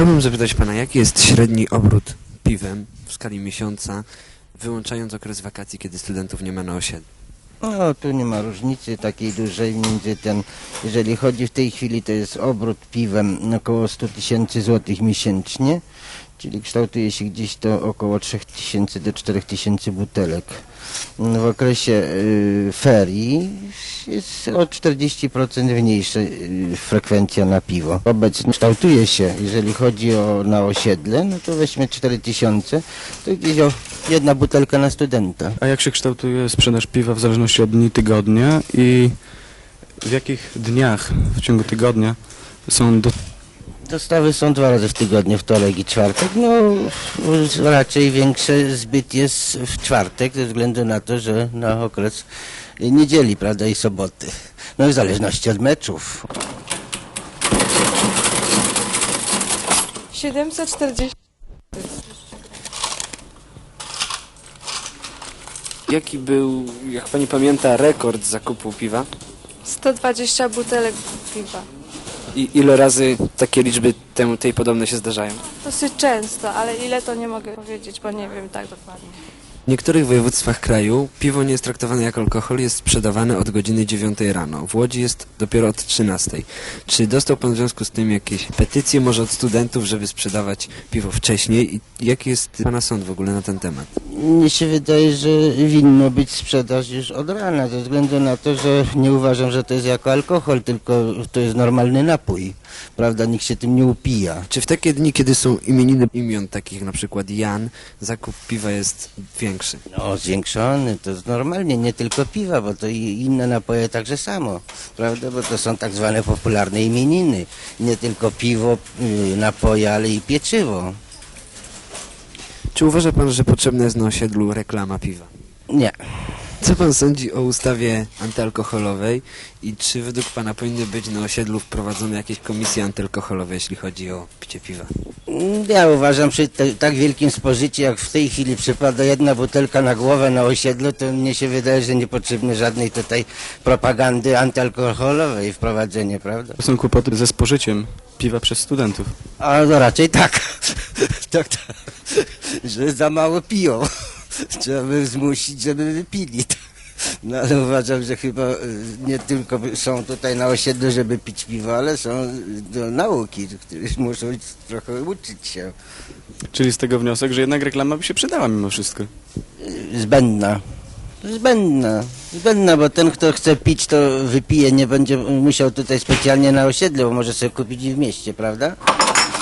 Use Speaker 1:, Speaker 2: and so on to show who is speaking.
Speaker 1: Chciałbym zapytać pana, jaki jest średni obrót piwem w skali miesiąca, wyłączając okres wakacji, kiedy studentów nie ma na osiedlu?
Speaker 2: No, tu nie ma różnicy takiej dużej między ten, jeżeli chodzi w tej chwili, to jest obrót piwem około 100 000 złotych miesięcznie, czyli kształtuje się gdzieś to około 3000 do 4000 butelek. W okresie ferii jest o 40% mniejsza frekwencja na piwo. Obecnie kształtuje się, jeżeli chodzi na osiedle, no to weźmy 4000, to gdzieś jedna butelka na studenta.
Speaker 3: A jak się kształtuje sprzedaż piwa w zależności od dni tygodnia i w jakich dniach w ciągu tygodnia są
Speaker 2: Dostawy są 2 razy w tygodniu, wtorek i czwartek. No raczej większy zbyt jest w czwartek, ze względu na to, że na okres niedzieli, prawda, i soboty. No w zależności od meczów.
Speaker 4: 740.
Speaker 1: Jaki był, jak pani pamięta, rekord zakupu piwa?
Speaker 4: 120 butelek piwa.
Speaker 1: I ile razy takie liczby tej podobne się zdarzają?
Speaker 4: Dosyć często, ale ile to nie mogę powiedzieć, bo nie wiem tak dokładnie.
Speaker 1: W niektórych województwach kraju piwo nie jest traktowane jako alkohol, jest sprzedawane od godziny 9 rano. W Łodzi jest dopiero od 13. Czy dostał pan w związku z tym jakieś petycje może od studentów, żeby sprzedawać piwo wcześniej? I jaki jest pana sąd w ogóle na ten temat?
Speaker 2: Mnie się wydaje, że winno być sprzedaż już od rana, ze względu na to, że nie uważam, że to jest jako alkohol, tylko to jest normalny napój. Prawda, nikt się tym nie upija.
Speaker 1: Czy w takie dni, kiedy są imieniny imion takich jak na przykład Jan, zakup piwa jest większy?
Speaker 2: No, zwiększony, to jest normalnie, nie tylko piwa, bo to i inne napoje także samo, prawda, bo to są tak zwane popularne imieniny. Nie tylko piwo, napoje, ale i pieczywo.
Speaker 1: Czy uważa pan, że potrzebna jest na osiedlu reklama piwa?
Speaker 2: Nie.
Speaker 1: Co pan sądzi o ustawie antyalkoholowej i czy według pana powinny być na osiedlu wprowadzone jakieś komisje antyalkoholowe, jeśli chodzi o picie piwa?
Speaker 2: Ja uważam, przy tak wielkim spożyciu, jak w tej chwili przypada jedna butelka na głowę na osiedlu, to mnie się wydaje, że niepotrzebne żadnej tutaj propagandy antyalkoholowej wprowadzenie, prawda?
Speaker 3: są kłopoty ze spożyciem piwa przez studentów?
Speaker 2: A no raczej tak. tak, że za mało piją. Trzeba by zmusić, żeby wypili. No ale uważam, że chyba nie tylko są tutaj na osiedlu, żeby pić piwo, ale są do nauki, które muszą trochę uczyć się.
Speaker 3: Czyli z tego wniosek, że jednak reklama by się przydała mimo wszystko.
Speaker 2: Zbędna, bo ten, kto chce pić, to wypije, nie będzie musiał tutaj specjalnie na osiedlu, bo może sobie kupić i w mieście, prawda?